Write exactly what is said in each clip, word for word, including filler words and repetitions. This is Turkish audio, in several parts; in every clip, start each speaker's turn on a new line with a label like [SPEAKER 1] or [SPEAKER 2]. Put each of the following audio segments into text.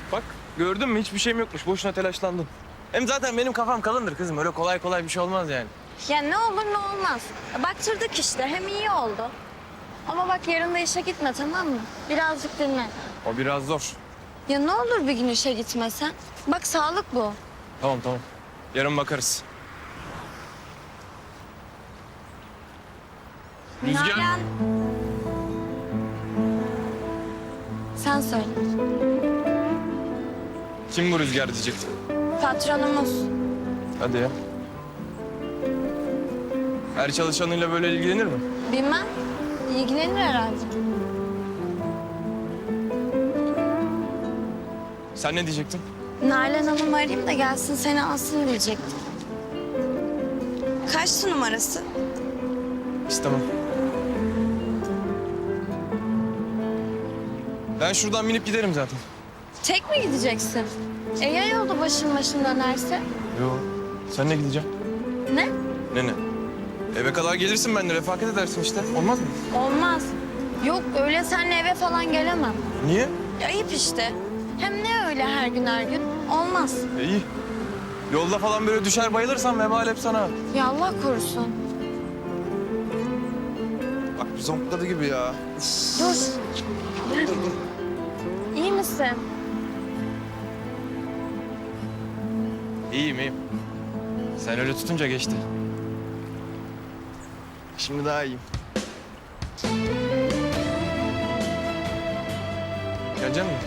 [SPEAKER 1] Bak gördün mü hiçbir şeyim yokmuş. Boşuna telaşlandın. Hem zaten benim kafam kalındır kızım. Öyle kolay kolay bir şey olmaz yani.
[SPEAKER 2] Ya ne olur ne olmaz. Baktırdık işte, hem iyi oldu. Ama bak yarın da işe gitme, tamam mı? Birazcık dinle.
[SPEAKER 1] O biraz zor.
[SPEAKER 2] Ya ne olur bir gün işe gitmesen. Bak sağlık bu.
[SPEAKER 1] Tamam tamam. Yarın bakarız. Rüzgar.
[SPEAKER 2] Nalan. Sen söyle.
[SPEAKER 1] Kim bu Rüzgar diyecektim.
[SPEAKER 2] Patronumuz.
[SPEAKER 1] Hadi ya. Her çalışanıyla böyle ilgilenir mi?
[SPEAKER 2] Bilmem. İlgilenir herhalde.
[SPEAKER 1] Sen ne diyecektin?
[SPEAKER 2] Nalan Hanım arayayım da gelsin seni alsın diyecektim. Kaçtı numarası?
[SPEAKER 1] İstemem. Ben şuradan binip giderim zaten.
[SPEAKER 2] Tek mi gideceksin? E ya yolda başın başın dönerse?
[SPEAKER 1] Yo. Sen ne gideceğim?
[SPEAKER 2] Ne?
[SPEAKER 1] Ne ne? Eve kadar gelirsin benimle refakat edersin işte. Olmaz mı?
[SPEAKER 2] Olmaz. Yok öyle seninle eve falan gelemem.
[SPEAKER 1] Niye?
[SPEAKER 2] Ayıp işte. Hem ne öyle her gün her gün? Olmaz.
[SPEAKER 1] E, iyi. Yolda falan böyle düşer bayılırsan vebal hep sana.
[SPEAKER 2] Ya Allah korusun.
[SPEAKER 1] Bak bir zonkladı gibi ya.
[SPEAKER 2] Dur. İyi misin?
[SPEAKER 1] İyiyim iyiyim. Sen öyle tutunca geçti. Şimdi daha iyiyim. Gelecek misin?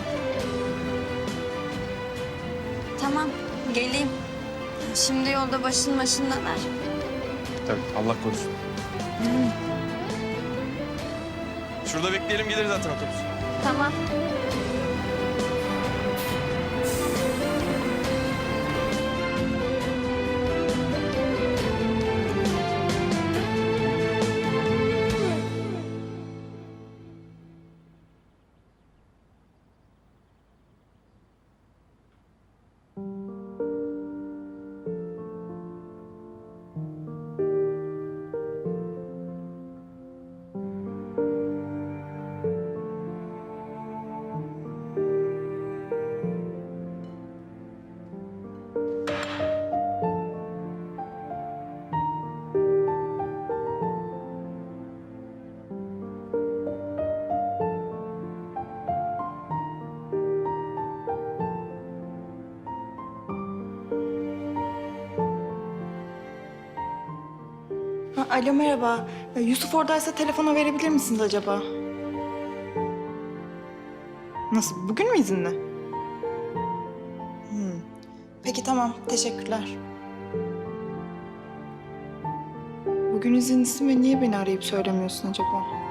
[SPEAKER 2] Tamam geleyim. Şimdi yolda başın başın döner.
[SPEAKER 1] Tabii Allah korusun. Şurada bekleyelim gelir zaten otobüs.
[SPEAKER 2] Tamam.
[SPEAKER 3] Ha, alo merhaba. Ee, Yusuf oradaysa telefona verebilir misiniz acaba? Nasıl? Bugün mü izinli? Hmm. Peki tamam. Teşekkürler. Bugün izinlisin ve niye beni arayıp söylemiyorsun acaba?